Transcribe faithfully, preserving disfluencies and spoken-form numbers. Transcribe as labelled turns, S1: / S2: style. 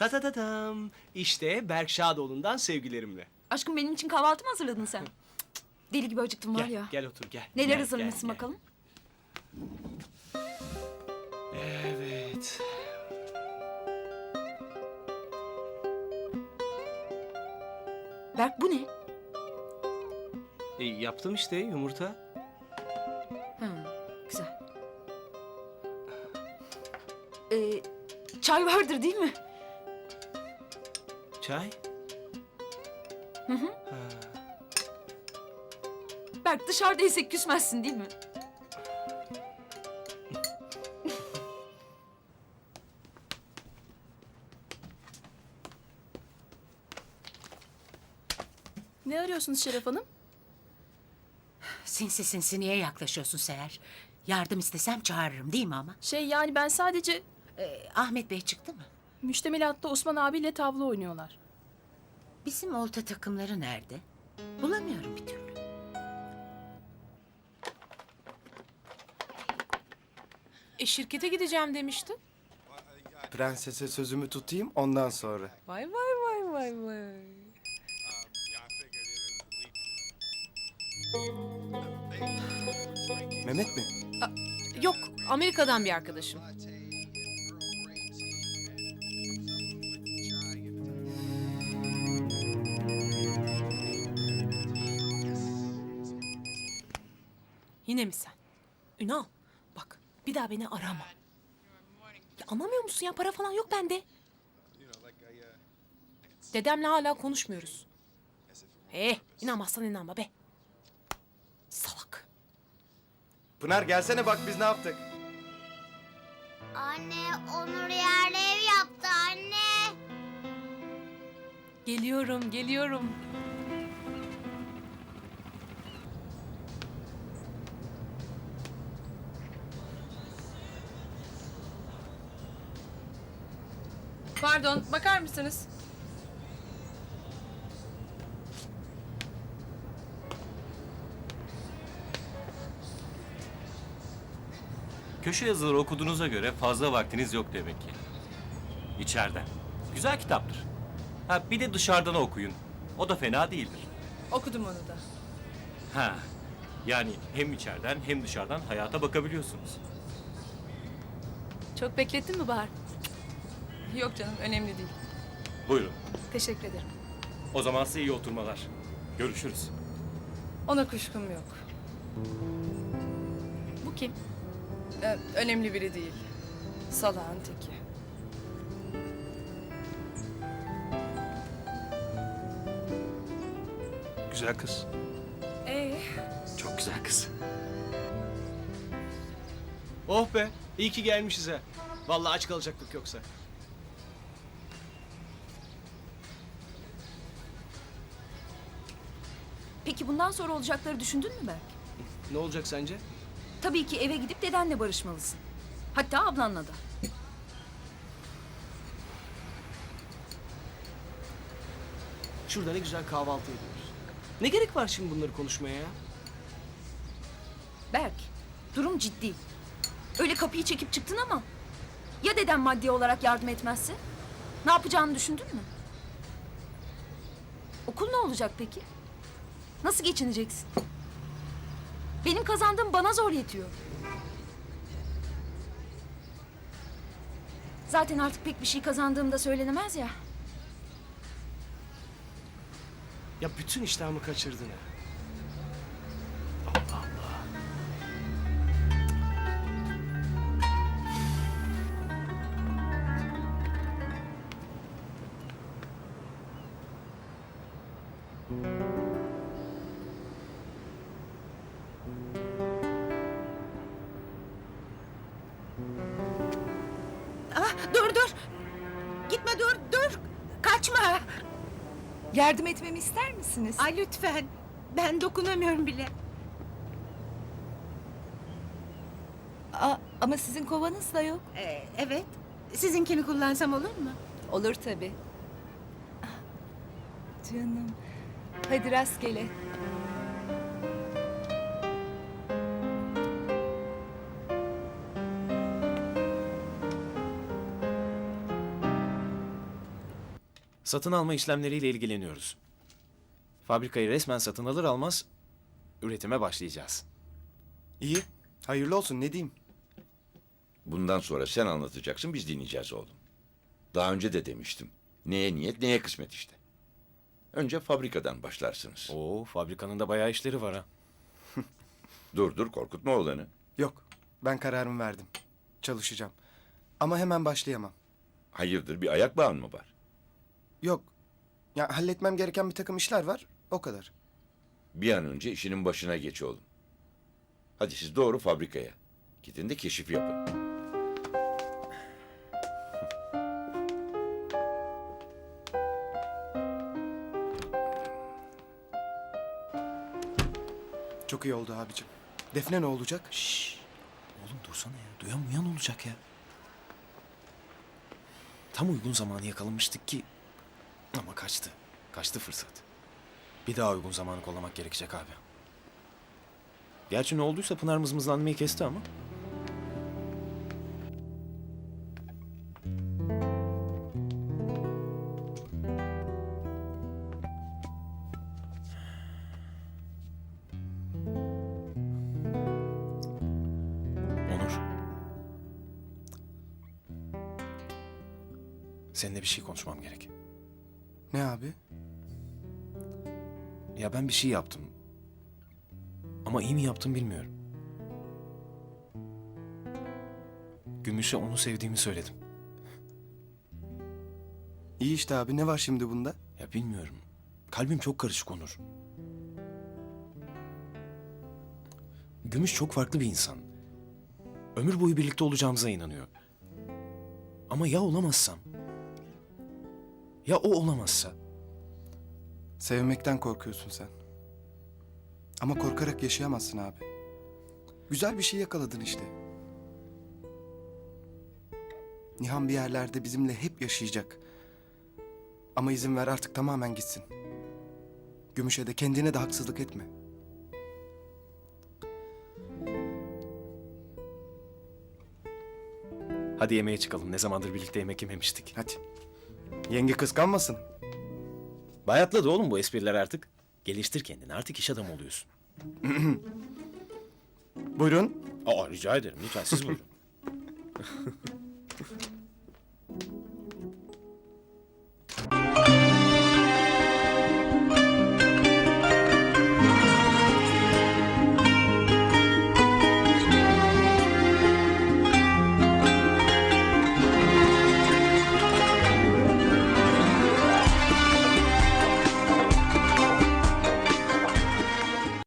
S1: Ta ta ta tam. İşte Berk Şadoğlu'ndan sevgilerimle.
S2: Aşkım benim için kahvaltı mı hazırladın sen? Deli gibi acıktım var
S1: Gel,
S2: ya.
S1: gel otur gel.
S2: Neler
S1: Gel,
S2: hazırlamışsın
S1: gel, gel.
S2: bakalım?
S1: Evet.
S2: Berk bu ne?
S1: E, yaptım işte yumurta.
S2: Ha, güzel. Ee, çay vardır değil mi?
S1: Çay.
S2: Hı hı.
S1: Ha.
S2: Berk dışarıdaysak küsmezsin değil mi?
S3: Ne arıyorsunuz Şeref Hanım?
S4: Sinsi sinsi niye yaklaşıyorsun Seher? Yardım istesem çağırırım değil mi ama?
S3: Şey yani ben sadece
S4: Ee, Ahmet Bey çıktı mı?
S3: müştemilatta Osman abiyle tavla oynuyorlar.
S4: Bizim olta takımları nerede? Bulamıyorum bir türlü.
S5: E şirkete gideceğim demiştin.
S6: Prensese sözümü tutayım ondan sonra.
S5: Vay vay vay vay vay.
S6: Mehmet mi?
S5: Yok, Amerika'dan bir arkadaşım. Yine mi sen? Ünal, bak bir daha beni arama. Ya anlamıyor musun ya? Para falan yok bende. Dedemle hala konuşmuyoruz. Eh, inanmazsan inanma be. Salak.
S6: Pınar gelsene bak biz ne yaptık.
S7: Anne, Onur yerli ev yaptı anne.
S5: Geliyorum, geliyorum.
S8: Pardon, bakar mısınız?
S9: Köşe yazıları okuduğunuza göre fazla vaktiniz yok demek ki. İçeriden. Güzel kitaptır. Ha bir de dışarıdan okuyun. O da fena değildir.
S8: Okudum onu da.
S9: Ha yani hem içeriden hem dışarıdan hayata bakabiliyorsunuz.
S8: Çok beklettin mi Bahar? Yok canım, önemli değil.
S9: Buyurun.
S8: Teşekkür ederim.
S9: O zaman size iyi oturmalar. Görüşürüz.
S8: Ona kuşkum yok.
S5: Bu kim?
S8: Ee, önemli biri değil. Salağın teki.
S1: Güzel kız.
S8: Ee,
S1: Çok güzel kız. Oh be, iyi ki gelmişiz ha. Vallahi aç kalacaktık yoksa.
S2: Peki bundan sonra olacakları düşündün mü Berk?
S1: Ne olacak sence?
S2: Tabii ki eve gidip dedenle barışmalısın. Hatta ablanla da.
S1: Şurada ne güzel kahvaltı ediyoruz. Ne gerek var şimdi bunları konuşmaya ya?
S2: Berk, durum ciddi. Öyle kapıyı çekip çıktın ama... Ya deden maddi olarak yardım etmezse? Ne yapacağını düşündün mü? Okul ne olacak peki? Nasıl geçineceksin? Benim kazandığım bana zor yetiyor. Zaten artık pek bir şey kazandığım da söylenemez ya.
S1: Ya bütün iştahımı kaçırdın ha.
S4: Ah, dur dur. Gitme dur dur. Kaçma.
S2: Yardım etmemi ister misiniz?
S4: Ay lütfen. Ben dokunamıyorum bile.
S2: Aa, ama sizin kovanız da yok.
S4: Ee, evet. Sizinkini kullansam olur mu?
S2: Olur tabii. Ah, canım. Hadi rastgele.
S10: Satın alma işlemleriyle ilgileniyoruz. Fabrikayı resmen satın alır almaz üretime başlayacağız.
S6: İyi. Hayırlı olsun ne diyeyim.
S11: Bundan sonra sen anlatacaksın, biz dinleyeceğiz oğlum. Daha önce de demiştim. Neye niyet, neye kısmet işte. Önce fabrikadan başlarsınız.
S10: Oo, fabrikanın da bayağı işleri var ha.
S11: Dur dur, korkutma oğlanı.
S6: Yok. Ben kararımı verdim. Çalışacağım. Ama hemen başlayamam.
S11: Hayırdır, bir ayak bağın mı var?
S6: Yok. Ya halletmem gereken bir takım işler var. O kadar.
S11: Bir an önce işinin başına geç oğlum. Hadi siz doğru fabrikaya. Gidin de keşif yapın.
S6: Çok iyi oldu abicim. Defne ne olacak?
S10: Şşş. Oğlum dursana ya. Duyan uyan olacak ya. Tam uygun zamanı yakalamıştık ki. Ama kaçtı. Kaçtı fırsat. Bir daha uygun zamanı kollamak gerekecek abi. Gerçi ne olduysa Pınar mızmızlanmayı kesti ama. Onur. Seninle bir şey konuşmam gerek.
S6: Ne abi?
S10: Ya ben bir şey yaptım. Ama iyi mi yaptım bilmiyorum. Gümüş'e onu sevdiğimi söyledim.
S6: İyi işte abi. Ne var şimdi bunda?
S10: Ya bilmiyorum. Kalbim çok karışık Onur. Gümüş çok farklı bir insan. Ömür boyu birlikte olacağımıza inanıyor. Ama ya olamazsam? Ya o olamazsa?
S6: Sevmekten korkuyorsun sen. Ama korkarak yaşayamazsın abi. Güzel bir şey yakaladın işte. Nihan bir yerlerde bizimle hep yaşayacak. Ama izin ver artık tamamen gitsin. Gümüş'e de kendine de haksızlık etme.
S10: Hadi yemeğe çıkalım. Ne zamandır birlikte yemek yememiştik.
S6: Hadi. Yenge kıskanmasın.
S10: Bayatladı oğlum bu espriler artık. Geliştir kendini. Artık iş adamı oluyorsun.
S6: Buyurun.
S10: Aa rica ederim. Lütfen siz buyurun.